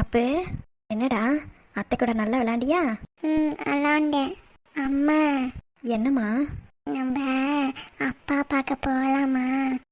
பாப்பு, என்னடா அத்தை கூட நல்லா விளையாண்டியா? விளாண்டேன். அம்மா, என்னம்மா? நம்ம அப்பா பார்க்க போகலாமா?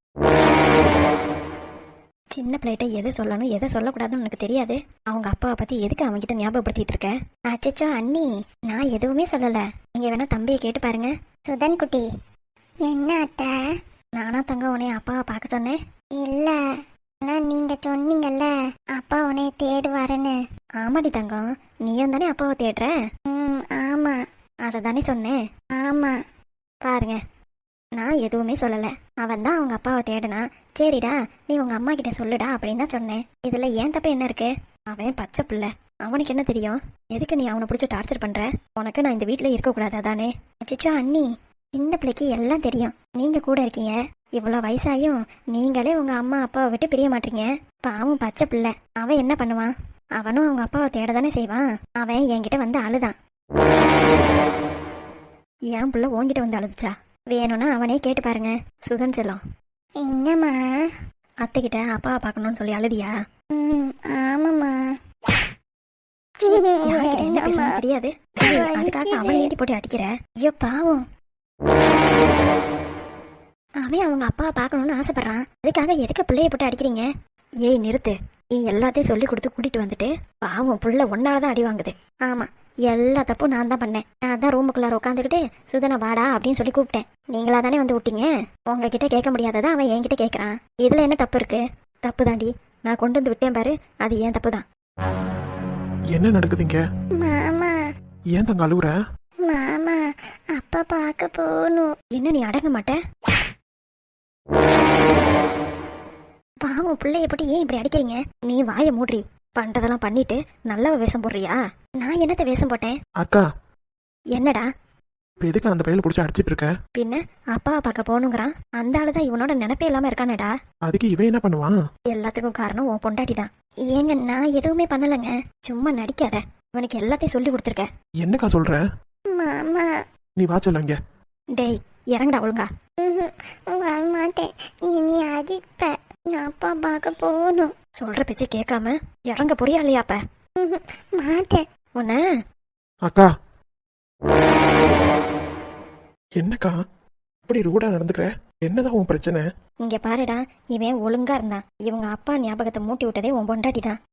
சின்ன பிள்ளைகிட்ட எதை சொல்லணும் எதை சொல்லக்கூடாதுன்னு உனக்கு தெரியாது. அவங்க அப்பாவை பத்தி எதுக்கு அவன்கிட்ட ஞாபகப்படுத்திட்டு இருக்க? அச்சச்சோ அண்ணி, நான் எதுவுமே சொல்லல. நீங்க வேணா தம்பியை கேட்டு பாருங்க. சுதன் குட்டி. என்ன அத்தை? நானா தங்க உன்னைய அப்பாவை பார்க்க சொன்னேன்? இல்ல, ஆனா நீங்க சொன்னீங்கல்ல அப்பா உன்னை தேடுவாருன்னு. ஆமாடி தங்கம், நீயும் தானே அப்பாவை தேடுற. ஆமா. அதை தானே சொன்னேன். ஆமா. பாருங்க, நான் எதுவுமே சொல்லல. அவன் தான் அவங்க அப்பாவை தேடுனா. சரிடா, நீ உங்க அம்மா கிட்ட சொல்லுடா அப்படின்னு தான் சொன்னேன். இதுல ஏன் தப்பு என்ன இருக்கு? அவன் பச்சை பிள்ளை, அவனுக்கு என்ன தெரியும்? எதுக்கு நீ அவனை பிடிச்சி டார்ச்சர் பண்ற? உனக்கு நான் இந்த வீட்டுல இருக்கக்கூடாது அதானே? அச்சச்சோ அண்ணி, சின்ன பிள்ளைக்கு எல்லாம் தெரியும். நீங்க கூட இருக்கீங்க, இவ்வளவு வயசாயும் நீங்களே உங்க அம்மா அப்பாவை விட்டு பிரிய மாட்டீங்க. பாவம் பச்சை பிள்ளை, அவன் என்ன பண்ணுவான்? அவனும் அவங்க அப்பாவை தேட தானே செய்வான். அவன் என்கிட்ட வந்து அழுதான். என் பிள்ளை உன்கிட்ட வந்து அழுதுச்சா? வேணும்னா அவனே கேட்டு பாருங்க. சுதன் செல்லம், என்னம்மா? அத்தைகிட்ட அப்பாவை பார்க்கணும்னு சொல்லி அழுதியா? ஆமாம்மா. யாருக்கிட்ட என்ன பேசணும் தெரியாது. அதுக்காக அவனை ஏட்டி போட்டு அடிக்கிற? ஐயோ பாவம், அவன் அவங்க அப்பாவை பார்க்கணும்னு ஆசைப்படுறான். அதுக்காக எதுக்கு பிள்ளைய போட்டு அடிக்கிறீங்க? ஏய் நிறுத்து. நீ எல்லாத்தையும் சொல்லி கொடுத்து கூட்டிட்டு வந்துட்டு பாவம் புள்ள ஒன்னாலதான் அடி வாங்குது. ஆமா, எல்லா தப்பும் நான் தான் பண்ணேன். நான் தான் ரூமுக்குள்ளார உட்காந்துக்கிட்டு சுதனை வாடா அப்படின்னு சொல்லி கூப்பிட்டேன். நீங்களா தானே வந்து விட்டீங்க. உங்ககிட்ட கேட்க முடியாததா அவன் என்கிட்ட கேட்கறான். இதுல என்ன தப்பு இருக்கு? தப்பு தாண்டி, நான் கொண்டு வந்து விட்டேன் பாரு, அது ஏன் தப்பு தான். என்ன நடக்குதுங்க? மாமா. ஏன் தங்க அழுவுற? மாமா, அப்பா பார்க்க போகணும். என்ன நீ அடங்க மாட்ட? பாவம் பிள்ளைய போட்டு ஏன் இப்படி அடிக்கிறீங்க? நீ வாயை மூடுறி. பண்றதெல்லாம் பண்ணிட்டு நல்லவ வேஷம் போடுறியா? நான் என்னத்த வேஷம் போட்டேன்? அக்கா, என்னடா? இப்ப எதுக்கு அந்த பையில புடிச்சு அடிச்சிட்டு இருக்க? பின்ன அப்பாவை பார்க்க போகணுங்கிறான். அந்த ஆளுதான் இவனோட நினைப்பே இல்லாம இருக்கானடா. அதுக்கு இவன் என்ன பண்ணுவான்? எல்லாத்துக்கும் காரணம் உன் பொண்டாட்டி தான். ஏங்க நான் எதுவுமே பண்ணலங்க, சும்மா நடிக்காத. இவனுக்கு எல்லாத்தையும் சொல்லி கொடுத்துருக்க. என்னக்கா சொல்ற? மாமா. நீ வா சொல்லுங்க. டேய் இறங்கடா ஒழுங்கா. வரமாட்டேன், நீ அடிப்ப. நான் அப்பா பார்க்க போகணும். சொல்ற பேச்சு கேட்காம இறங்க புரியா இல்லையாப்ப? மாட்டேன். உன்ன அக்கா, என்னக்கா இப்படி ரூடா நடந்துக்கிற? என்னதான் உன் பிரச்சனை? இங்க பாருடா, இவன் ஒழுங்கா இருந்தான். இவங்க அப்பா ஞாபகத்தை மூட்டி விட்டதே உன் பொண்டாட்டி தான்.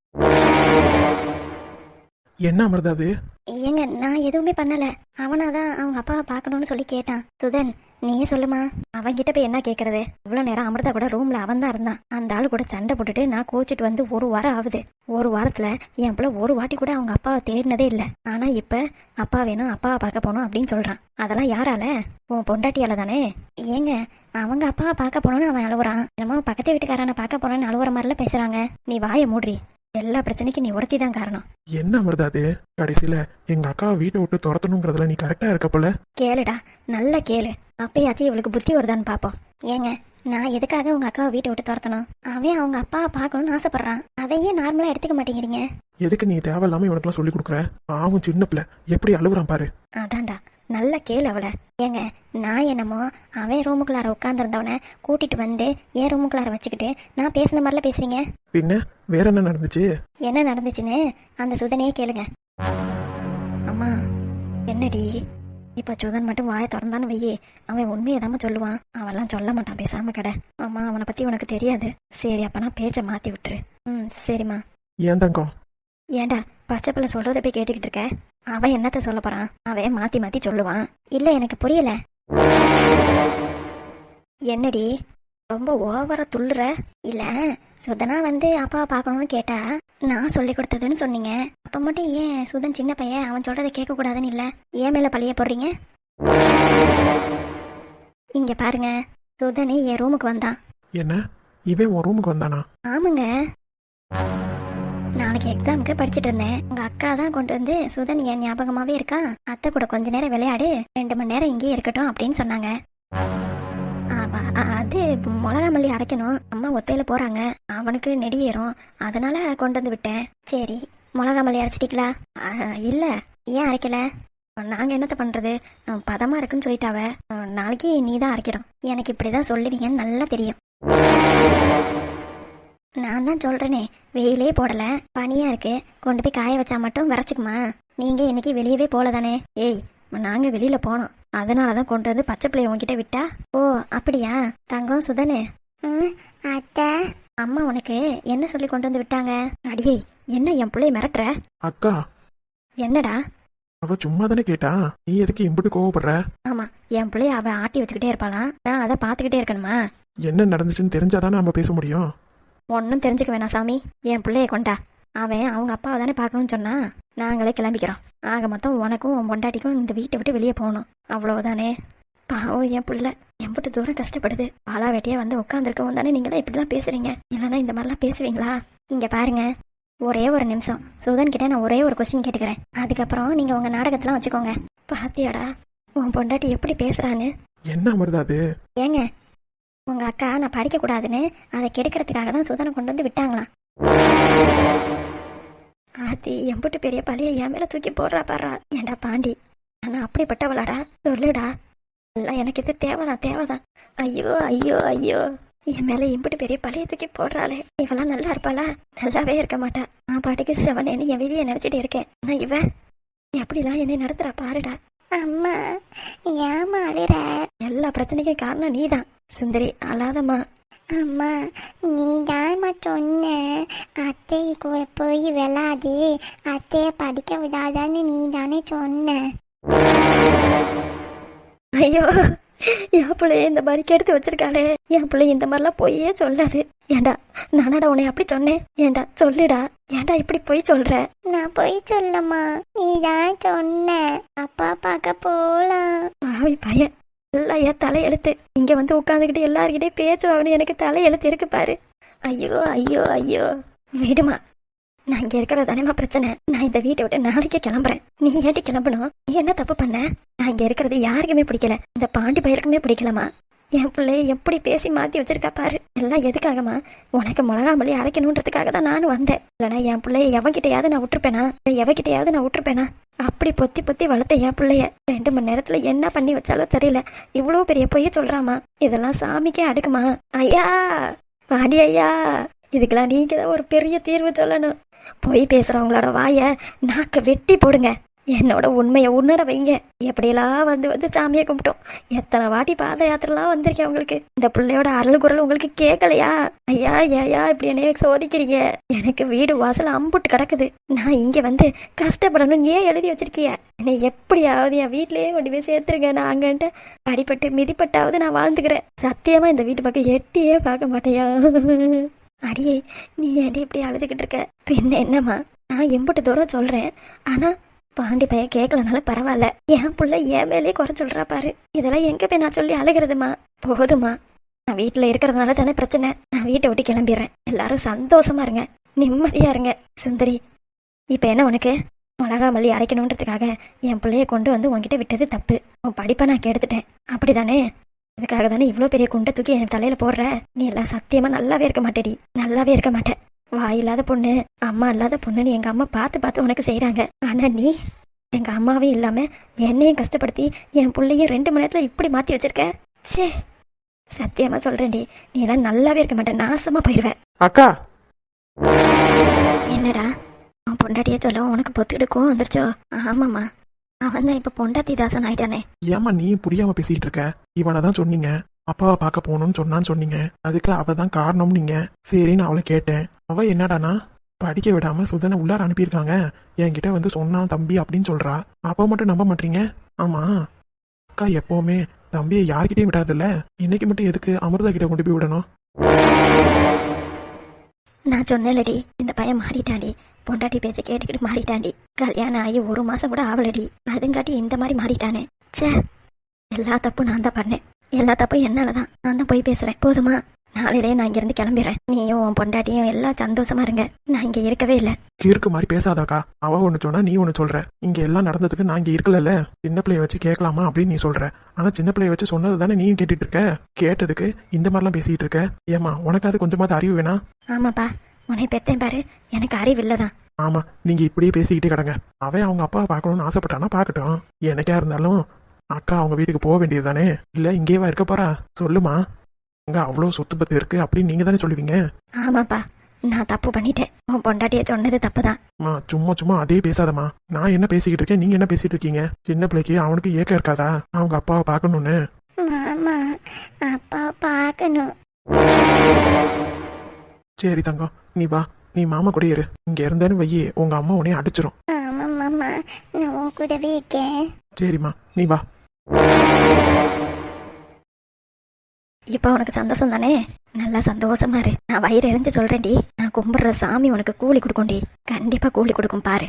என்ன அமிர்தா அது? ஏங்க நான் எதுவுமே பண்ணல. அவனாதான் அவங்க அப்பாவை பார்க்கணும்னு சொல்லி கேட்டான். சுதன் நீயே சொல்லுமா, அவன்கிட்ட போய் என்ன கேட்கறது? இவ்வளவு நேரம் அமிர்தா கூட ரூம்ல அவன் தான் இருந்தான். அந்த ஆளு கூட சண்டை போட்டுட்டு நான் கோச்சிட்டு வந்து 1 வாரம் ஆகுது. 1 வாரத்துல என் பிள்ளை ஒரு வாட்டி கூட அவங்க அப்பாவை தேடினதே இல்லை. ஆனா இப்ப அப்பா வேணும், அப்பாவை பார்க்க போகணும் அப்படின்னு சொல்றான். அதெல்லாம் யாரால? உன் பொண்டாட்டியால தானே. ஏங்க அவங்க அப்பாவை பார்க்க போனோன்னு அவன் அழுவுறான். என்னமோ பக்கத்து வீட்டுக்காரனை பார்க்க போனோன்னு அழுவுற மாதிரிலாம் பேசுறாங்க. நீ வாயை மூடுறி. எல்லா பிரச்சனைக்கும் நீ ஒருத்தி தான் காரணம். என்ன அமிர்தா அது? கடைசியில எங்க அக்காவை வீட்டை விட்டு துரத்தணுங்கிறதுல நீ கரெக்டா இருக்க போல. கேளுடா, நல்லா கேளு. அப்பயாச்சும் இவளுக்கு புத்தி வருதான்னு பாப்போம். ஏங்க நான் எதுக்காக உங்க அக்காவை வீட்டை விட்டு துரத்தணும்? அவன் அவங்க அப்பாவை பார்க்கணும்னு ஆசைப்படுறான். அதையே நார்மலா எடுத்துக்க மாட்டேங்கிறீங்க. எதுக்கு நீ தேவையில்லாம இவனுக்குலாம் சொல்லி கொடுக்குற? அவன் சின்ன பிள்ளை, எப்படி அழுகுறான் பாரு. அதான்டா, நல்லா கேளு அவளை. ஏங்க நான் என்னமோ அவன் ரூமுக்குள்ளார உட்காந்துருந்தவனை கூட்டிட்டு வந்து என் ரூமுக்குள்ளார வச்சுக்கிட்டு நான் பேசின மாதிரிலாம் பேசுறீங்க. பின்ன வேற என்ன நடந்துச்சு? என்ன நடந்துச்சுன்னு அந்த சுதனையே கேளுங்க. அம்மா என்னடி இப்ப சுதன் மட்டும் வாயை திறந்தான்னு வையே, அவன் உண்மையதாம சொல்லுவான். அவெல்லாம் சொல்ல மாட்டான், பேசாம கடை. அம்மா அவனை பத்தி உனக்கு தெரியாது. சரி அப்பனா பேச்ச மாத்தி விட்டுரு. சரிம்மா. ஏன் தங்கம்? ஏண்டா பச்சை பிள்ளை சொல்றத போய் கேட்டுக்கிட்டு இருக்க? அவன் என்னத்த சொல்ல போறான்? அவன் மாத்தி மாத்தி சொல்லுவான். இல்ல எனக்கு புரியல. என்னடி ரொம்ப ஓவரா துள்ளுற? இல்ல சுதனா வந்து அப்பாவை பார்க்கணும்னு கேட்டா நான் சொல்லி கொடுத்ததுன்னு சொன்னீங்க. அப்ப மட்டும் ஏன் சுதன் சின்ன பையன், அவன் சொல்றதை கேட்க கூடாதுன்னு இல்ல ஏன் மேல பழிய போடுறீங்க? இங்க பாருங்க, சுதனே என் ரூமுக்கு வந்தான். என்ன இவன் உன் ரூமுக்கு வந்தானா? ஆமாங்க, நாளைக்கு எக்ஸாமுக்கு படிச்சுட்டு இருந்தேன். உங்க அக்கா தான் கொண்டு வந்து சுதன் என் ஞாபகமாவே இருக்கான், அத்தை கூட கொஞ்ச நேரம் விளையாடு, 2 மணி நேரம் இங்கேயே இருக்கட்டும் அப்படின்னு சொன்னாங்க. அது மிளகா மல்லி அரைக்கணும், அம்மா ஒத்தையில போறாங்க, அவனுக்கு நெடியேறும், அதனால கொண்டு வந்து விட்டேன். சரி மிளகா மல்லி அரைச்சிட்டீங்களா? இல்ல. ஏன் அரைக்கல? நாங்க என்னத்த பண்றது, பதமா இருக்குன்னு சொல்லிட்டாவ. நாளைக்கு நீ தான் அரைக்கிறோம். எனக்கு இப்படிதான் சொல்லுவீங்கன்னு நல்லா தெரியும். நான் தான் சொல்றேனே, வெயிலே போடல, பனியா இருக்கு, கொண்டு போய் காய வச்சா மட்டும் விரைச்சிக்குமா? நீங்க இன்னைக்கு வெளியவே போல தானே? ஏய், நாங்க வெளியில போனோம், அதனாலதான் கொண்டு வந்து பச்சை பிள்ளைய உன்கிட்ட விட்டா. ஓ அப்படியா? தங்கம் சுதனே, ம் அத்தை. அம்மா உனக்கு என்ன சொல்லி கொண்டு வந்து விட்டாங்க? அடியே, என்ன என் பிள்ளைய மிரட்டுற? அக்கா, என்னடா? அவ சும்மா தானே கேட்டா, நீ எதுக்கு இம்புட்டு கோவப்படுற? ஆமா, என் பிள்ளைய அவ ஆட்டி வச்சுக்கிட்டே இருப்பாளாம், நான் அதை பார்த்துக்கிட்டே இருக்கணுமா? என்ன நடந்துச்சுன்னு தெரிஞ்சாதானே நம்ம பேச முடியும். ஒன்றும் தெரிஞ்சுக்க வேணாம் சாமி, என் பிள்ளைய கொண்டா. அவன் அவங்க அப்பாவை தானே பார்க்கணும்னு சொன்னா, நாங்களே கிளம்பிக்கிறோம். ஆக மொத்தம் உனக்கும் உன் பொண்டாட்டிக்கும் இந்த வீட்டை விட்டு வெளியே போகணும், அவ்வளவுதானே. பாவம் என் பிள்ளை எம்பிட்டு தூரம் கஷ்டப்படுது. பாலா வேட்டையா வந்து உட்காந்துருக்கவும் தானே நீங்களாம் இப்படிலாம் பேசுறீங்க, இல்லைன்னா இந்த மாதிரிலாம் பேசுவீங்களா? இங்க பாருங்க, ஒரே ஒரு நிமிஷம் சுதன் கிட்ட நான் ஒரே ஒரு கொஸ்டின் கேட்டுக்கிறேன், அதுக்கப்புறம் நீங்க உங்க நாடகத்தெல்லாம் வச்சுக்கோங்க. பாத்தியாடா உன் பொண்டாட்டி எப்படி பேசுறான்னு? என்ன அமிர்தா அது? ஏங்க, உங்க அக்கா நான் படிக்க கூடாதுன்னு அதை கெடுக்கிறதுக்காக தான் சுதனை கொண்டு வந்து விட்டாங்களாம். அது எம்பிட்டு பெரிய பழிய என் மேல தூக்கி போடுறா பாடுறா. ஏண்டா பாண்டி, ஆனா அப்படிப்பட்டவளாடா? சொல்லுடா, எல்லாம் எனக்கு இது தேவைதான். ஐயோ ஐயோ ஐயோ, என் மேல எம்பிட்டு பெரிய பழிய தூக்கி போடுறாளே. இவெல்லாம் நல்லா இருப்பாளா? நல்லாவே இருக்க மாட்டா. நான் பாட்டுக்கு செவனேன்னு என் விதியை நினைச்சிட்டு இருக்கேன். ஆனா இவ எப்படிலாம் என்னை நடத்துறா பாருடா. அம்மா ஏம்மா அழுற? எல்லா பிரச்சனைக்கும் காரணம் நீதான் சுந்தரி, அழாதம்மா. அம்மா நீ தான்மா சொன்ன அத்தை கூட போய் விளாது, அத்தைய படிக்க விடாதான்னு நீ தானே சொன்ன. ஐயோ, என் பிள்ளைய இந்த மாதிரி கெடுத்து வச்சிருக்காளே. என் பிள்ளைய இந்த மாதிரிலாம் பொய்யே சொல்லாது. ஏண்டா நானடா உன்னை அப்படி சொன்னேன்? ஏண்டா சொல்லுடா, ஏண்டா இப்படி பொய் சொல்ற? நான் போய் சொல்லம்மா, நீ தான் சொன்ன அப்பா பார்க்க போலாம். பாவி பையன், எல்லாம் என் தலையெழுத்து. இங்க வந்து உட்காந்துக்கிட்டு எல்லாருக்கிட்டே பேச்சுவாங்கன்னு எனக்கு தலையெழுத்து இருக்கு பாரு. ஐயோ ஐயோ ஐயோ, விடுமா, நான் இங்க இருக்கிறது தானேமா பிரச்சனை. நான் இந்த வீட்டை விட்டு நாளைக்கே கிளம்புறேன். நீ ஏட்டி கிளம்பணும்? நீ என்ன தப்பு பண்ண? நான் இங்க இருக்கிறது யாருக்குமே பிடிக்கல, இந்த பாண்டி பயிருக்குமே பிடிக்கலமா. என் பிள்ளைய எப்படி பேசி மாத்தி வச்சிருக்கா பாரு. எல்லாம் எதுக்காகமா? உனக்கு மிளகா மல்லி அரைக்கணுன்றதுக்காக தான் நானும் வந்தேன். இல்லைனா என் பிள்ளைய எவன்கிட்டயாவது நான் விட்டுருப்பேனா? அப்படி பொத்தி பொத்தி வளர்த்த என் பிள்ளைய 2 மணி நேரத்துல என்ன பண்ணி வச்சாலும் தெரியல. இவ்வளவு பெரிய பொய்ய சொல்றாமா. இதெல்லாம் சாமிக்கே அடுக்குமா? ஐயா, வாடி ஐயா, இதுக்கெல்லாம் நீங்க தான் ஒரு பெரிய தீர்வு சொல்லணும். பொய் பேசுறவங்களோட வாய நாக்க வெட்டி போடுங்க. என்னோட உண்மையை உணர வைங்க. எப்படியெல்லாம் வந்து சாமியை கும்பிட்டோம். எத்தனை வாட்டி பாத யாத்திரெல்லாம் வந்திருக்கேன் உங்களுக்கு. இந்த பிள்ளையோட அருள் குரல் உங்களுக்கு கேட்கலையா? ஐயா ஏயா இப்படி என்னைய சோதிக்கிறீங்க? எனக்கு வீடு வாசல் அம்புட்டு கிடக்குது. நான் இங்க வந்து கஷ்டப்படணும்னு ஏன் எழுதி வச்சிருக்கிய? என்னை எப்படியாவது என் வீட்லயே கொண்டு போய் சேர்த்துருங்க. நான் அங்கன்ட்டு அடிபட்டு மிதிப்பட்டாவது நான் வாழ்ந்துக்கிறேன். சத்தியமா இந்த வீட்டு பக்கம் எட்டியே பார்க்க மாட்டேயா? அடியே, நீ ஏடி இப்படி அழுதுகிட்டு இருக்க? பின்ன என்னம்மா, நான் எம்பிட்டு தூரம் சொல்றேன், ஆனா பாண்டி பைய கேட்கலனால பரவாயில்ல. என் புள்ள என் மேலே குறை சொல்றா பாரு. இதெல்லாம் எங்க போய் நான் சொல்லி அழுகிறதுமா? போதுமா, நான் வீட்டுல இருக்கிறதுனால தானே பிரச்சனை. நான் வீட்டை விட்டு கிளம்பிடுறேன். எல்லாரும் சந்தோஷமா இருங்க, நிம்மதியா இருங்க. சுந்தரி, இப்ப என்ன உனக்கு? மிளகா மல்லி அரைக்கணுன்றதுக்காக என் பிள்ளைய கொண்டு வந்து உன்கிட்ட விட்டது தப்பு. உன் படிப்பை நான் கெடுத்துட்டேன், அப்படிதானே? அதுக்காக தானே இவ்வளோ பெரிய குண்டை தூக்கி என் தலையில போடுற? நீ எல்லாம் சத்தியமா நல்லாவே இருக்க மாட்டேடி, நல்லாவே இருக்க மாட்டேன். வாய் இல்லாத பொண்ணு, அம்மா இல்லாத பொண்ணுன்னு எங்க அம்மா பார்த்து உனக்கு செய்யறாங்க. ஆனா நீ எங்க அம்மாவே இல்லாம என்னையும் கஷ்டப்படுத்தி என் பிள்ளையும் 2 மணி நேரத்துல இப்படி மாத்தி வச்சிருக்க. சே, சத்தியமா சொல்றேன்டி, நீ எல்லாம் நல்லாவே இருக்க மாட்டேன், நாசமா போயிடுவ. அக்கா, என்னடா உன் பொண்டாட்டியே சொல்ல உனக்கு பொத்துக்கிடுக்கும் வந்துருச்சோ? ஆமாம்மா, அவன் தான் இப்ப பொண்டாட்டி தாசன் ஆயிட்டானே. ஏமா நீ புரியாம பேசிட்டு இருக்க? இவனை தான் சொன்னீங்க அப்பாவை பார்க்க போகணும்னு சொன்னீங்க. அதுக்கு அவ தான் காரணம் நீங்க. சரின்னு அவளை கேட்டேன். அவ என்னடானா படிக்க விடாம சுதனை உள்ளார அனுப்பியிருக்காங்க, என்கிட்ட வந்து சொன்னான் தம்பி அப்படின்னு சொல்றா. அப்பா மட்டும் நம்ப மாட்டீங்க? ஆமா, அக்கா எப்பவுமே தம்பியை யார்கிட்டயும் விடாதுல்ல, இன்னைக்கு மட்டும் எதுக்கு அமிர்தா கிட்ட கொண்டு போய் விடணும்? நான் சொன்னேன்லடி, இந்த பையன் மாறிட்டாண்டி, பொண்டாட்டி பேச்சை கேட்டுக்கிட்டு மாறிட்டாண்டி. கல்யாணம் ஆகி 1 மாசம் கூட ஆவலடி, அதுங்காட்டி இந்த மாதிரி மாறிட்டானே. சே, எல்லா தப்பும் நான் தான் பண்ணேன், எல்லா தப்பும் என்னாலதான். நான் தான் போய் பேசுறேன். போதுமா? நாளையிலே நான் இங்கிருந்து கிளம்பிடுறேன். நீயும் உன் பொண்டாட்டியும் எல்லாம் சந்தோஷமா இருங்க. நான் இங்க இருக்கவே இல்லை. கிறுக்கு மாதிரி பேசாதாக்கா. அவ ஒண்ணு சொன்னா நீ ஒண்ணு சொல்ற. இங்க எல்லாம் நடந்ததுக்கு நான் இங்க இருக்கல. சின்ன பிள்ளைய வச்சு கேட்கலாமா அப்படின்னு நீ சொல்ற. ஆனா சின்ன பிள்ளைய வச்சு சொன்னது தானே நீயும் கேட்டுட்டு இருக்க. கேட்டதுக்கு இந்த மாதிரிலாம் பேசிட்டு இருக்க. ஏமா உனக்காவது கொஞ்சமாவது அறிவு வேணா? ஆமாப்பா, உன்னை பெத்தேன் பாரு, எனக்கு அறிவு இல்லதான். ஆமா, நீங்க இப்படியே பேசிக்கிட்டே கிடங்க. அவன் அவங்க அப்பாவை பார்க்கணும்னு ஆசைப்பட்டானா பார்க்கட்டும். எனக்கா இருந்தாலும் அக்கா அவங்க வீட்டுக்கு போக வேண்டியது தானே. இல்ல இங்கேவா இருக்க போறா? சொல்லுமா, அங்க அவ்வளோ சொத்து பத்து இருக்கு அப்படின்னு நீங்க தானே சொல்லுவீங்க. ஆமாப்பா, நான் தப்பு பண்ணிட்டேன். உன் பொண்டாட்டிய சொன்னது தப்பு தான். மா சும்மா சும்மா அதே பேசாதம்மா. நான் என்ன பேசிக்கிட்டு இருக்கேன், நீங்க என்ன பேசிட்டு இருக்கீங்க? சின்ன பிள்ளைக்கு அவனுக்கு ஏக்கம் இருக்காதா அவங்க அப்பாவை பார்க்கணும்னு? மாமா அப்பா பார்க்கணும். சரி தங்கம், நீ வா, நீ மாமா கூட இரு. இங்க இருந்தேன்னு வையே உங்க அம்மா உன்னைய அடிச்சிரும். ஆமா மாமா, நான் உன் கூடவே இருக்கேன். சரிம்மா, நீ வா. இப்போ உனக்கு சந்தோஷம் தானே? நல்லா சந்தோஷமா இரு. நான் வயிறு எரிஞ்சு சொல்றேன்டி, நான் கும்பிடுற சாமி உனக்கு கூலி கொடுக்கும்டி. கண்டிப்பா கூலி கொடுக்கும் பாரு.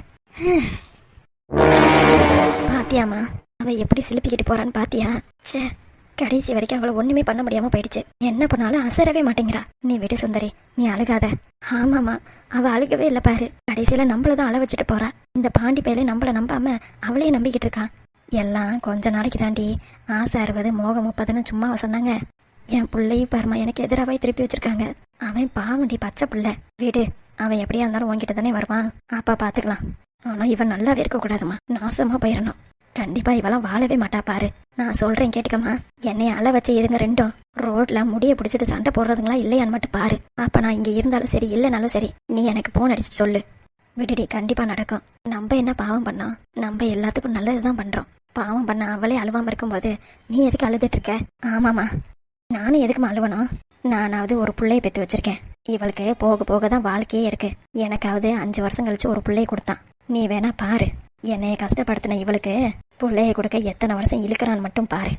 பாத்தியாமா அவ எப்படி சிலுப்பிக்கிட்டு போறான்னு பாத்தியா? ச்சே, கடைசி வரைக்கும் அவளை ஒண்ணுமே பண்ண முடியாம போயிடுச்சு. என்ன பண்ணாலும் அசரவே மாட்டேங்கிறா. நீ விடு சுந்தரி, நீ அழுகாத. ஆமாமா, அவ அழுகவே இல்ல பாரு. கடைசியில நம்மளதான் அழ வச்சுட்டு போறா. இந்த பாண்டி பையில நம்மள நம்பாம அவளையே நம்பிக்கிட்டு இருக்கான். எல்லாம் கொஞ்ச நாளைக்கு தாண்டி. ஆசை 60 மோகம் 30ன்னு சும்மாவா சொன்னாங்க? என் பிள்ளையும் பாருமா எனக்கு எதிராவே திருப்பி வச்சிருக்காங்க. அவன் பாவண்டி, பச்சை பிள்ளை. வீடு, அவன் எப்படியா இருந்தாலும் உன்கிட்ட தானே வருவான். அப்பா பாத்துக்கலாம். ஆனா இவன் நல்லாவே இருக்க கூடாதுமா, நாசமா போயிடணும். கண்டிப்பா இவெல்லாம் வாழவே மாட்டா பாரு. நான் சொல்றேன் கேட்டுக்கம்மா. என்னைய அழ வச்ச இதுங்க ரெண்டும் ரோட்ல முடிய பிடிச்சிட்டு சண்டை போடுறதுங்களா இல்லையான்னு மட்டும் பாரு. அப்ப நான் இங்க இருந்தாலும் சரி இல்லைனாலும் சரி, நீ எனக்கு போன் அடிச்சு சொல்லு. விடுடி, கண்டிப்பா நடக்கும். நம்ம என்ன பாவம் பண்ணோம்? நம்ம எல்லாத்துக்கும் நல்லதுதான் பண்றோம். பாவம் பண்ண அவளே அழுவாம இருக்கும்போது நீ எதுக்கு அழுதுட்டு இருக்க? ஆமாமா, நானும் எதுக்குமா அழுவணும்? நானாவது ஒரு பிள்ளைய பெற்று வச்சிருக்கேன். இவளுக்கு போக போக தான் வாழ்க்கையே இருக்கு. எனக்காவது 5 வருஷம் கழிச்சு ஒரு பிள்ளைய கொடுத்தான். நீ வேணா பாரு, என்னைய கஷ்டப்படுத்தின இவளுக்கு பிள்ளைய கொடுக்க எத்தனை வருஷம் இழுக்கிறான்னு மட்டும் பாரு.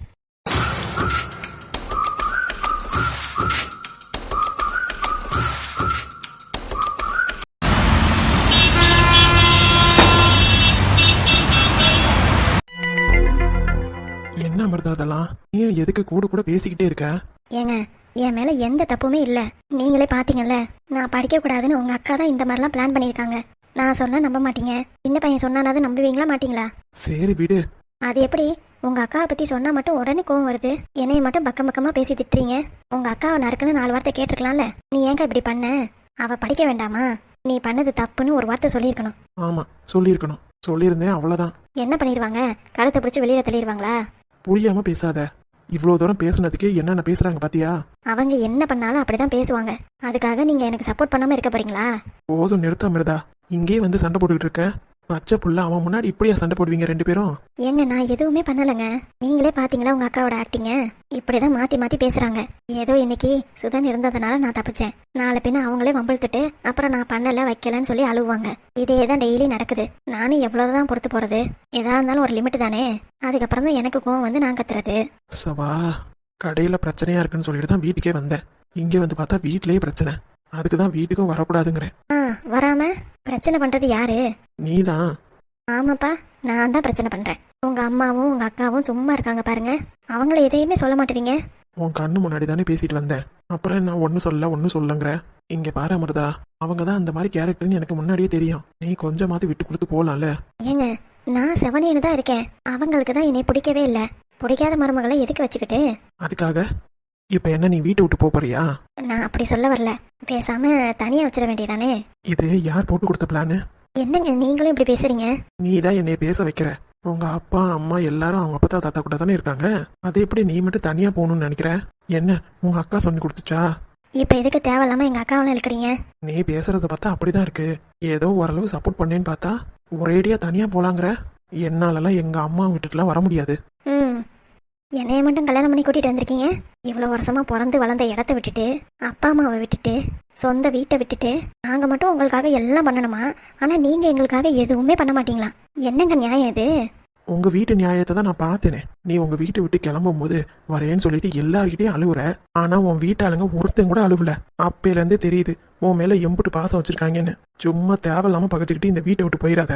என்ன அமிர்தா அதெல்லாம்? நீ எதுக்கு கூட கூட பேசிக்கிட்டே இருக்க? ஏங்க, என் மேல எந்த தப்புமே இல்ல. நீங்களே பாத்தீங்கல்ல, நான் படிக்க கூடாதுன்னு உங்க அக்கா தான் இந்த மாதிரிலாம் பிளான் பண்ணிருக்காங்க. நான் சொன்னா நம்ப மாட்டீங்க. சின்ன பையன் சொன்னானாவது நம்புவீங்களா மாட்டீங்களா? சரி விடு. அது எப்படி? உங்க அக்காவை பத்தி சொன்னா மட்டும் உடனே கோவம் வருது. என்னைய மட்டும் பக்கம் பக்கமா பேசி திட்டுறீங்க. உங்க அக்காவை நறுக்குன்னு 4 வார்த்தை கேட்டிருக்கலாம்ல. நீ ஏங்க இப்படி பண்ண? அவ படிக்க வேண்டாமா? நீ பண்ணது தப்புன்னு ஒரு வார்த்தை சொல்லியிருக்கணும். ஆமா, சொல்லியிருக்கணும். சொல்லியிருந்தேன், அவ்வளவுதான். என்ன பண்ணிடுவாங்க? கழுத்தை பிடிச்சி வெளியில தள்ளிடுவாங்களா? புரியாம பேசாத. இவ்வளவு தூரம் பேசுனதுக்கு என்னென்ன பேசுறாங்க பாத்தியா? அவங்க என்ன பண்ணாலும் அப்படிதான் பேசுவாங்க. அதுக்காக நீங்க எனக்கு சப்போர்ட் பண்ணாம இருக்க போறீங்களா? போதும், நிறுத்த அமிர்தா. இங்கே வந்து சண்டை போட்டுக்கிட்டு இருக்க. பச்சை புள்ள, அவன் முன்னாடி இப்படியா சண்டை போடுவீங்க 2 பேரும்? ஏங்க, நான் எதுவுமே பண்ணலைங்க. நீங்களே பாத்தீங்களா உங்க அக்காவோட ஆக்டிங்க? இப்படிதான் மாத்தி மாத்தி பேசுறாங்க. ஏதோ இன்னைக்கு சுதன் இருந்ததுனால நான் தப்பிச்சேன். நாளை பின்ன அவங்களே வம்பிழுத்துட்டு அப்புறம் நான் பண்ணல வைக்கலன்னு சொல்லி அழுவாங்க. இதே தான் டெய்லி நடக்குது. நானும் எவ்வளவுதான் பொறுத்து போறது? எதா இருந்தாலும் ஒரு லிமிட் தானே. அதுக்கப்புறம் தான் எனக்கு கோவம் வந்து நான் கத்துறது. சவா, கடையில பிரச்சனையா இருக்குன்னு சொல்லிட்டு தான் வீட்டுக்கே வந்தேன். இங்கே வந்து பார்த்தா வீட்லயே பிரச்சனை. அதுக்கு தான் வீட்டுக்கும் வரக்கூடாதுங்கிறேன். வராம பிரச்சனை பண்றது யாரு? நீதான். ஆமாப்பா, நான் தான் பிரச்சனை பண்றேன். உங்க அம்மாவும் உங்க அக்காவும் சும்மா இருக்காங்க பாருங்க. அவங்கள எதையுமே சொல்ல மாட்டேறீங்க. உன் கண்ணு முன்னாடி தானே பேசிட்டு வந்தேன். அப்புறம் நான் ஒன்னும் சொல்லங்கிற. இங்க பாரு அமிர்தா, அவங்க தான் அந்த மாதிரி கேரக்டர்னு எனக்கு முன்னாடியே தெரியும். நீ கொஞ்சமாவது விட்டு கொடுத்து போலாம்ல. ஏங்க, நான் செவனேன்னு தான் இருக்கேன். அவங்களுக்கு தான் என்னை பிடிக்கவே இல்லை. பிடிக்காத மருமகளை எதுக்கு வச்சுக்கிட்டு? அதுக்காக இப்ப என்ன நீ வீட்டை விட்டு போறியா? நான் அப்படி சொல்ல வரல. பேசாம தனியா வச்சிட வேண்டியதானே. இது யார் போட்டு கொடுத்த பிளானு? என்னங்க நீங்களும் இப்படி பேசுறீங்க? நீ தான் என்னைய பேச வைக்கிற. உங்க அப்பா அம்மா எல்லாரும் அவங்க அப்பா தாத்தா கூட தானே இருக்காங்க. அது எப்படி நீ மட்டும் தனியா போகணும்னு நினைக்கிற? என்ன உங்க அக்கா சொல்லி கொடுத்துச்சா? இப்ப எதுக்கு தேவையில்லாம எங்க அக்காவெல்லாம் இழுக்கிறீங்க? நீ பேசுறத பார்த்தா அப்படிதான் இருக்கு. ஏதோ ஓரளவு சப்போர்ட் பண்ணேன்னு பார்த்தா ஒரேடியா தனியா போலாங்கிற. என்னாலலாம் எங்க அம்மா வீட்டுக்குலாம் வர முடியாது. என்னைய மட்டும் கல்யாணம் பண்ணி கூட்டிட்டு வந்திருக்கீங்க. இவ்வளவு வருஷமா பிறந்து வளர்ந்த இடத்த விட்டுட்டு, அப்பா அம்மாவை விட்டுட்டு, சொந்த வீட்டை விட்டுட்டு, நாங்க மட்டும் உங்களுக்காக எல்லாம் பண்ணணுமா? ஆனா நீங்க எங்களுக்காக எதுவுமே பண்ண மாட்டீங்களா? என்னங்க நியாயம் இது? உங்க வீட்டு நியாயத்தை தான் நான் பார்த்தேனே. நீ உங்க வீட்டை விட்டு கிளம்பும் போது வரேன்னு சொல்லிட்டு எல்லார்கிட்டையும் அழுவுற. ஆனா உன் வீட்டாளுங்க ஒருத்தன் கூட அழுவல. அப்பையில இருந்தே தெரியுது உன் மேல எம்புட்டு பாசம் வச்சிருக்காங்கன்னு. சும்மா தேவையில்லாம பகச்சுக்கிட்டு இந்த வீட்டை விட்டு போயிடாத.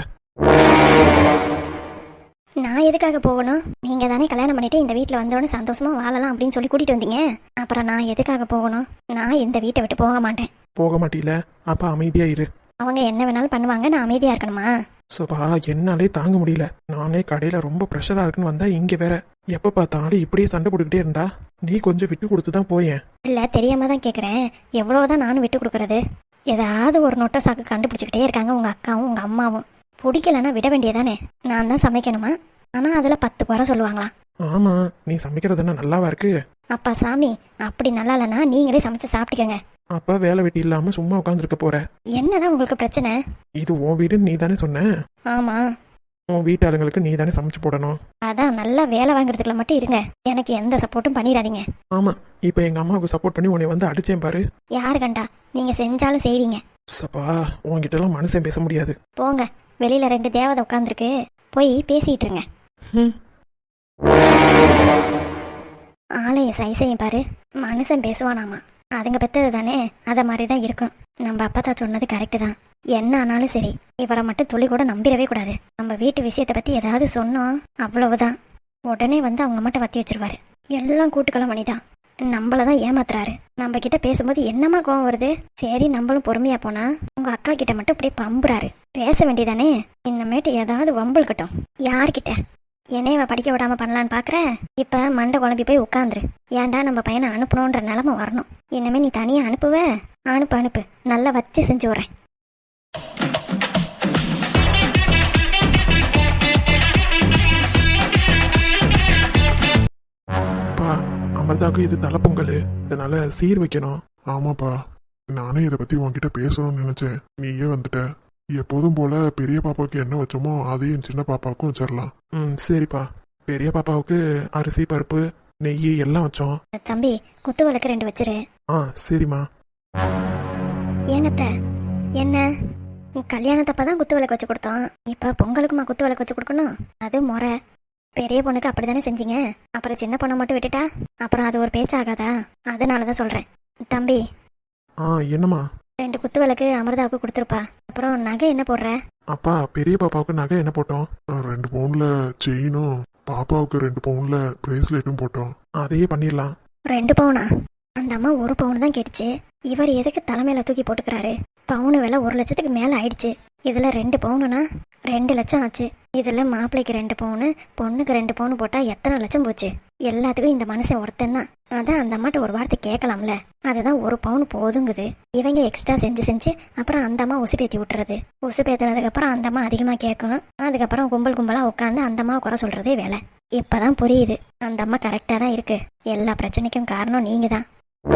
நான் எதுக்காக போகணும்? நீங்க தானே கல்யாணம் பண்ணிட்டு இந்த வீட்டுல வந்தோடனே சந்தோஷமா வாழலாம் அப்படின்னு சொல்லி கூட்டிட்டு வந்தீங்க. அப்புறம் நான் எதுக்காக போகணும்? நான் இந்த வீட்டை விட்டு போக மாட்டேன். போக மாட்டீல? அப்ப அமைதியா இரு. அவங்க என்ன வேணாலும் பண்ணுவாங்க, நான் அமைதியா இருக்கணுமா? சோபா, என்னாலே தாங்க முடியல. நானே கடையில ரொம்ப ப்ரெஷரா இருக்குன்னு வந்தா இங்க வேற எப்ப பார்த்தாலும் இப்படியே சண்டை போட்டுக்கிட்டே இருந்தா நீ கொஞ்சம் விட்டு கொடுத்துதான் போயேன். இல்ல, தெரியாம தான் கேக்குறேன். எவ்வளவுதான் நானும் விட்டு கொடுக்கறது? ஏதாவது ஒரு நொட்டை சாக்கு கண்டுபிடிச்சுக்கிட்டே இருக்காங்க உங்க அக்காவும் உங்க அம்மாவும். பிடிக்கலன்னா விட வேண்டியதானே. நான் தான் சமைக்கணுமா? ஆனா அதுல 10 குறை சொல்லுவாங்களா? ஆமா, நீ சமைக்கிறது என்ன நல்லாவா இருக்கு? அப்பா சாமி, அப்படி நல்லா இல்லைன்னா நீங்களே சமைச்சு சாப்பிட்டுக்கங்க. அப்ப வேலை வெட்டி இல்லாம சும்மா உட்காந்துருக்க போற. என்னதான் உங்களுக்கு பிரச்சனை? இது உன் வீடுன்னு நீ தானே சொன்ன. ஆமா, உன் வீட்டாளுங்களுக்கு நீ தானே சமைச்சு போடணும். அதான் நல்லா வேலை வாங்குறதுக்குள்ள மட்டும் இருங்க, எனக்கு எந்த சப்போர்ட்டும் பண்ணிடாதீங்க. ஆமா, இப்ப எங்க அம்மாவுக்கு சப்போர்ட் பண்ணி உன்னை வந்து அடிச்சேன் பாரு. யாரு கண்டா நீங்க செஞ்சாலும் செய்வீங்க. சப்பா, உன்கிட்ட எல்லாம் மனுஷன் பேச முடியாது. போங்க, வெளியில 2 தேவதை உட்காந்துருக்கு, போய் பேசிட்டு இருங்க. ம். ஆலயம் சைசையும் பாரு, மனுஷன் பேசுவானாமா. அதுங்க பெத்தது தானே, அத மாதிரிதான் இருக்கும். நம்ம அப்பா சொன்னது கரெக்டு தான். என்ன ஆனாலும் சரி, இவரை மட்டும் துளி கூட நம்பிடவே கூடாது. நம்ம வீட்டு விஷயத்தை பத்தி ஏதாவது சொன்னோம், அவ்வளவுதான், உடனே வந்து அவங்க மட்டும் வத்தி வச்சிருவாரு. எல்லாம் கூட்டுக்களம் மணிதான், நம்மளதான் ஏமாத்துறாரு. நம்ம கிட்ட பேசும்போது என்னமா கோவம் வருது. சரி, நம்மளும் பொறுமையா போனா உங்க அக்கா கிட்ட மட்டும் அப்படியே பம்புறாரு. பேச வேண்டியதானே, இன்னமேட்டு ஏதாவது வம்புழுக்கட்டும். யார்கிட்ட என்னையவ படிக்க விடாம பண்ணலான்னு பாக்குற? இப்ப மண்டை குழம்பி போய் உட்காந்துரு. ஏன்டா நம்ம பையனை அனுப்பணுன்ற நிலைமை வரணும். இனிமே நீ தனியா அனுப்புவ? அனுப்பு அனுப்பு, நல்லா வச்சு செஞ்சு விடுறேன். பா, அமர்தாவுக்கு இது தலைப்பொங்கல், இதனால சீர் வைக்கணும். ஆமாப்பா, நானே இதை பத்தி உன்கிட்ட பேசணும்னு நினைச்சேன், நீயே வந்துட்ட. எப்போதும் போல பெரிய பாப்பாவுக்கு என்ன வச்சோமோ அதே என் சின்ன பாப்பாவுக்கும் வச்சிடலாம். சரிப்பா. பெரிய பாப்பாவுக்கு அரிசி பருப்பு நெய் எல்லாம் வச்சோம். தம்பி, குத்து விளக்கு 2 வச்சிரு. சரிம்மா. ஏங்கத்த, என்ன கல்யாணத்தப்பதான் குத்து விளக்கு வச்சு கொடுத்தோம், இப்ப பொங்கலுக்குமா குத்து விளக்கு வச்சு கொடுக்கணும்? அது முறை. பெரிய பொண்ணுக்கு அப்படித்தானே செஞ்சீங்க, அப்புறம் சின்ன பொண்ணை மட்டும் விட்டுட்டா அப்புறம் அது ஒரு பேச்சாகாதா? அதனாலதான் சொல்றேன். தம்பி, என்னம்மா? 2 குத்து விளக்கு அமிர்தாவுக்கு கொடுத்துருப்பா. அப்புறம் நகை என்ன போடுற? அப்பா, பெரிய பாப்பாவுக்கு நகை என்ன போட்டோம்? 2 பவுன்ல செயினும் பாப்பாவுக்கு 2 பவுன்ல பிரேஸ்லெட்டும் போட்டோம். அதையே பண்ணிடலாம். 2 பவுனா? அந்த அம்மா 1 பவுன் தான் கேட்டுச்சு. இவர் எதுக்கு தலைமையில தூக்கி போட்டுக்கிறாரு? பவுனு விலை 1 லட்சத்துக்கு மேல ஆயிடுச்சு. இதுல 2 பவுனுனா 2 லட்சம் ஆச்சு. இதுல மாப்பிள்ளைக்கு 2 பவுனு, பொண்ணுக்கு 2 பவுனு போட்டா எத்தனை லட்சம் போச்சு? எல்லாத்துக்கும் இந்த மனுஷன் ஒருத்தன் தான். அதான் அந்த அம்மாட்ட ஒரு வார்த்தை கேட்கலாம்ல. அதுதான் 1 பவுன் போதுங்குது. இவங்க எக்ஸ்ட்ரா செஞ்சு அப்புறம் அந்த அம்மா உசுப்பேத்தி விட்டுறது. உசுப்பேத்தினதுக்கு அப்புறம் அந்த அம்மா அதிகமா கேட்கும். அதுக்கப்புறம் கும்பலா உட்காந்து அந்த அம்மாவை குறை சொல்றதே வேலை. இப்பதான் புரியுது, அந்த அம்மா கரெக்டா தான் இருக்கு. எல்லா பிரச்சனைக்கும் காரணம் நீங்க தான்.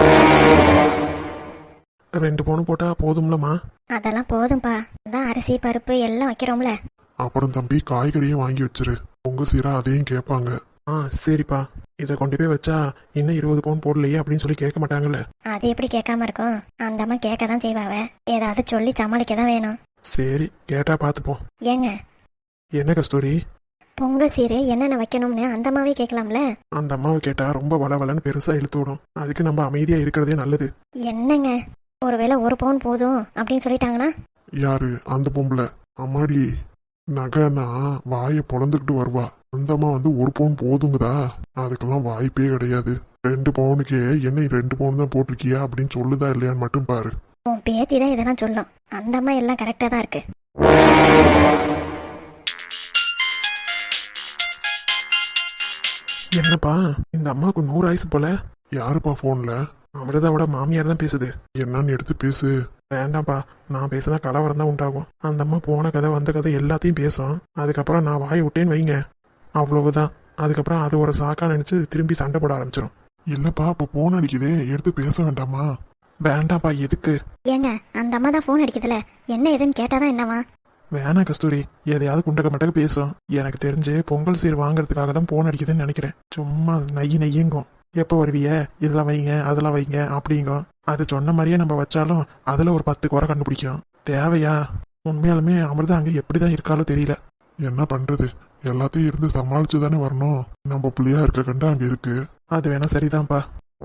2 பவுன் போட்டா போதும்லம்மா? அதெல்லாம் போதும்பா, அதான் அரிசி பருப்பு எல்லாம் வைக்கிறோம்ல. அப்புறம் தம்பி, காய்கறியும் வாங்கி வச்சிரு, உங்க சீரா அதையும் கேட்பாங்க. சரிப்பா. இதை கொண்டு போய் வச்சா இன்னும் 20 பவுன் போடலையே அப்படின்னு சொல்லி கேட்க மாட்டாங்கல்ல? அது எப்படி கேட்காம இருக்கும்? அந்த அம்மா கேட்க தான் செய்வாவ, ஏதாவது சொல்லி சமாளிக்க தான் வேணும். சரி, கேட்டா பார்த்துப்போம். ஏங்க, என்ன கஸ்தூரி? பொங்கல் சீரு என்னென்ன வைக்கணும்னு அந்த அம்மாவே கேட்கலாம்ல? அந்த அம்மாவை கேட்டா ரொம்ப வளவலன்னு பெருசா இழுத்து விடும். அதுக்கு நம்ம அமைதியா இருக்கிறதே நல்லது. என்னங்க, ஒருவேளை 1 பவுன் போதும் அப்படின்னு சொல்லிட்டாங்கன்னா? யாரு அந்த பொம்பளை? அம்மாடி, நகைன்னா வாயை பொழந்துக்கிட்டு வருவா. அந்த அம்மா வந்து 1 பவுன் போதுங்குதா? அதுக்கெல்லாம் வாய்ப்பே கிடையாது. 2 பவுனுக்கே என்ன 2 பவுன் தான் போட்டிருக்கியா அப்படின்னு சொல்லுதா இல்லையான்னு மட்டும் பாரு. உன் பேத்தி தான் இதெல்லாம் சொல்லும். அந்த அம்மா எல்லாம் கரெக்டா தான் இருக்கு. என்னப்பா, இந்த அம்மாவுக்கு 100 ஆயுசு போல. யாருப்பா போன்ல? அமிர்தாவோட மாமியார் தான் பேசுது. என்னன்னு எடுத்து பேசு. வேண்டாம்ப்பா, நான் பேசினா கலவரம் தான் உண்டாகும். அந்த அம்மா போன கதை வந்த கதை எல்லாத்தையும் பேசும். அதுக்கப்புறம் நான் வாய் விட்டேன்னு வைங்க, அவ்வளவுதான். அதுக்கப்புறம் அது ஒரு சாக்கா நினைச்சு திரும்பி சண்டை போட ஆரம்பிச்சிடும். இல்லப்பா, அப்ப போன் அடிக்குதே, எடுத்து பேச வேண்டாமா? வேண்டாம்ப்பா, எதுக்கு? ஏங்க, அந்த அம்மா தான் போன் அடிக்குதுல, என்ன ஏதுன்னு கேட்டாதான் என்னவா? வேணா கஸ்தூரி, எதையாவது குண்டக்க மட்டக்க பேசும். எனக்கு தெரிஞ்சு பொங்கல் சீர் வாங்குறதுக்காக தான் போன் அடிக்குதுன்னு நினைக்கிறேன். சும்மா நெய்யுங்கும். எப்போ வருவிய, இதெல்லாம் வைங்க அதெல்லாம் வைங்க அப்படிங்கும். அது சொன்ன மாதிரியே நம்ம வச்சாலும் அதுல ஒரு 10 குறை கண்டுபிடிக்கும். தேவையா? உண்மையாலுமே அமிர்தா அங்க எப்படிதான் இருக்காலோ தெரியல. என்ன பண்றது, எல்லாத்தையும் இருந்து சமாளிச்சு தானே வரணும். நம்ம பிள்ளையா இருக்க கண்டா அங்க இருக்கு. அது வேணா சரிதான்ப்பா.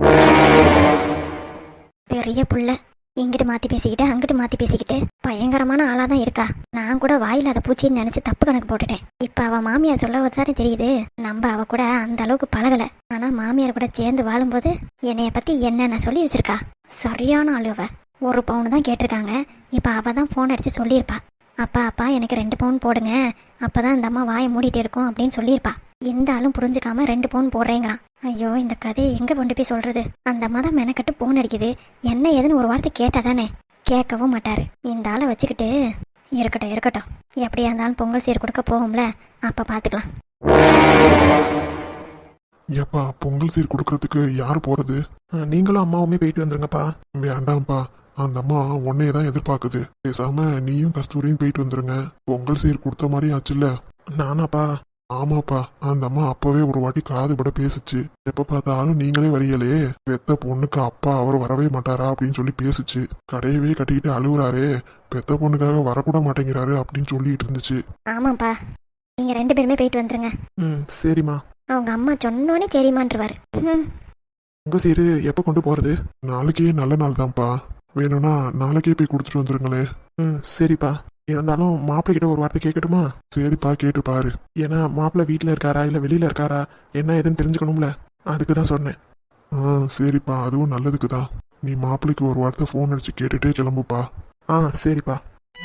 பெரிய புள்ள இங்கிட்டு மாத்தி பேசிக்கிட்டு அங்கிட்டு மாத்தி பேசிக்கிட்டு பயங்கரமான ஆளாதான் இருக்கா. நான் கூட வாயில அதை பூச்சின்னு நினைச்சு தப்பு கணக்கு போட்டுட்டேன். இப்ப அவ மாமியார் சொல்ல வச்சாரு தெரியுது, நம்ம அவ கூட அந்த அளவுக்கு பழகல. ஆனா மாமியார் கூட சேர்ந்து வாழும்போது என்னைய பத்தி என்னென்ன சொல்லி வச்சிருக்கா. சரியான ஆளு அவ. 1 பவுன் தான் கேட்டிருக்காங்க. இப்ப அவ தான் போன் அடிச்சு சொல்லியிருப்பா, அப்பா எனக்கு 2 பவுன் போடுங்க, அப்பதான் இந்த அம்மா வாயை மூடிட்டு இருக்கும் அப்படின்னு சொல்லியிருப்பா. இந்த ஆளும் புரிஞ்சுக்காம 2 பவுன் போடுறேங்கிறான். ஐயோ, இந்த கதையை எங்க கொண்டு போய் சொல்றது? அந்த அம்மா தான் மெனக்கட்டு போன் அடிக்குது. என்ன ஏதுன்னு ஒரு வார்த்தை கேட்டாதானே? கேட்கவும் மாட்டாரு. இந்த ஆளை வச்சுக்கிட்டு இருக்கட்டும், எப்படியா இருந்தாலும் பொங்கல் சீர் கொடுக்க போகும்ல, அப்ப பாத்துக்கலாம். ஏப்பா பொங்கல் சீர் கொடுக்கறதுக்கு யார் போறது? நீங்களும் அம்மாவுமே போயிட்டு வந்துருங்கப்பா. வேண்டாம்ப்பா, அந்த அம்மா உன்னையே தான் எதிர்பார்க்குது. பேசாம நீயும் கஸ்தூரியும் போயிட்டு வந்துருங்க. பொங்கல் சீர் கொடுத்த மாதிரி ஆச்சுல்ல. நானாப்பா? ஆமாப்பா, அந்த அம்மா அப்பவே ஒரு வாட்டி காது பட பேசுச்சு. எப்ப பார்த்தாலும் நீங்களே வரீங்களே, பெத்த பொண்ணுக்கு அப்பா அவர் வரவே மாட்டாரா அப்படின்னு சொல்லி பேசுச்சு. கடையவே கட்டிக்கிட்டு அழுகுறாரே, பெத்த பொண்ணுக்காக வரக்கூட மாட்டேங்கிறாரு அப்படின்னு சொல்லிட்டு இருந்துச்சு. ஆமாப்பா, நீங்க 2 பேருமே போயிட்டு வந்துருங்க. சரிம்மா. அவங்க அம்மா சொன்னோன்னே சரிமான்றுவாரு. உங்க சீரு எப்போ கொண்டு போறது? நாளைக்கே நல்ல நாள் தான்ப்பா, வேணும்னா நாளைக்கே போய் கொடுத்துட்டு வந்துருங்களே. சரிப்பா. இருந்தாலும் மாப்பிள்ளை கிட்ட ஒரு வார்த்தை கேட்கட்டுமா? சரிப்பா, கேட்டு பாரு. ஏன்னா மாப்பிள்ளை வீட்டில் இருக்காரா இல்லை வெளியில இருக்காரா என்ன ஏதுன்னு தெரிஞ்சுக்கணும்ல, அதுக்கு தான் சொன்னேன். சரிப்பா, அதுவும் நல்லதுக்கு தான். நீ மாப்பிள்ளைக்கு ஒரு வார்த்தை ஃபோன் அடிச்சு கேட்டுட்டே கிளம்புப்பா. சரிப்பா.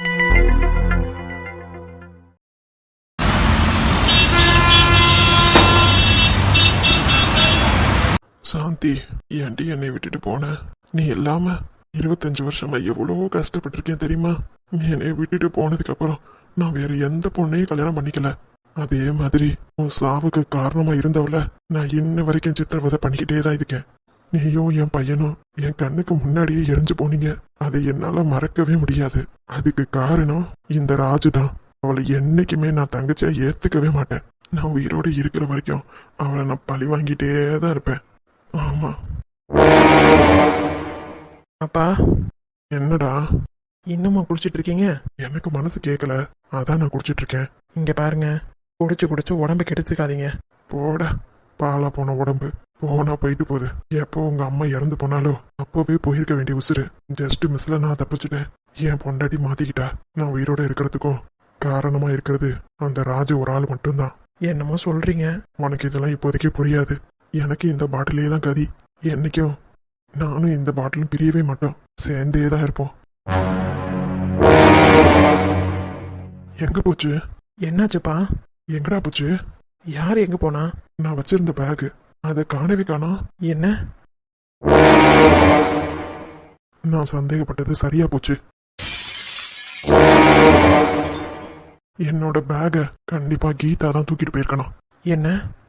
சாந்தி, ஏன்டி என்னை விட்டுட்டு போன? நீ இல்லாம 25 வருஷமா எவ்வளோ கஷ்டப்பட்டிருக்கேன் தெரியுமா? நீ என்னை விட்டுட்டு போனதுக்கு அப்புறம் நான் வேற எந்த பொண்ணையும் கல்யாணம் பண்ணிக்கல. அதே மாதிரி உன் சாவுக்கு காரணமா இருந்தவள நான் இன்ன வரைக்கும் சித்திரவதை பண்ணிக்கிட்டே தான் இருக்கேன். நீயும் என் பையனும் என் கண்ணுக்கு முன்னாடியே எரிஞ்சு போனீங்க. அதை என்னால மறக்கவே முடியாது. அதுக்கு காரணம் இந்த ராஜு தான். அவளை என்னைக்குமே நான் தங்கச்சியா ஏத்துக்கவே மாட்டேன். நான் உயிரோட இருக்கிற வரைக்கும் அவளை நான் பழி வாங்கிட்டே தான் இருப்பேன். ஆமா. அப்பா, என்னடா இன்னுமா குடிச்சிட்டு இருக்கீங்க? எனக்கு மனசு கேட்கல, அதான் நான் குடிச்சிட்டு இருக்கேன். இங்க பாருங்க, குடிச்சு உடம்பு கெடுத்துக்காதீங்க. போட, பாலா போன உடம்பு போனா போயிட்டு போகுது. எப்போ உங்க அம்மா இறந்து போனாலோ அப்போவே போயிருக்க வேண்டிய உசுறு ஜஸ்ட் மிஸ்ல நான் தப்பிச்சுட்டேன். என் பொண்டாட்டி மாத்திக்கிட்டா. நான் உயிரோட இருக்கிறதுக்கும் காரணமா இருக்கிறது அந்த ராஜு ஒரு ஆள் மட்டும்தான். என்னமோ சொல்றீங்க. உனக்கு இதெல்லாம் இப்போதைக்கு புரியாது. எனக்கு இந்த பாட்டிலே தான் கதி. என்னைக்கும் நானும் இந்த பாட்டிலும் பிரியவே மாட்டோம். சேர்ந்தே தான் இருப்போம். எங்க போச்சு? என்னாச்சுப்பா? எங்கடா போச்சு? யார் எங்க போனா? நான் வச்சிருந்த பேகு, அதை காணவே காணோம். என்ன? நான் சந்தேகப்பட்டது சரியா போச்சு. என்னோட பேக கண்டிப்பா கீதா தான் தூக்கிட்டு போயிருக்கணும். என்ன?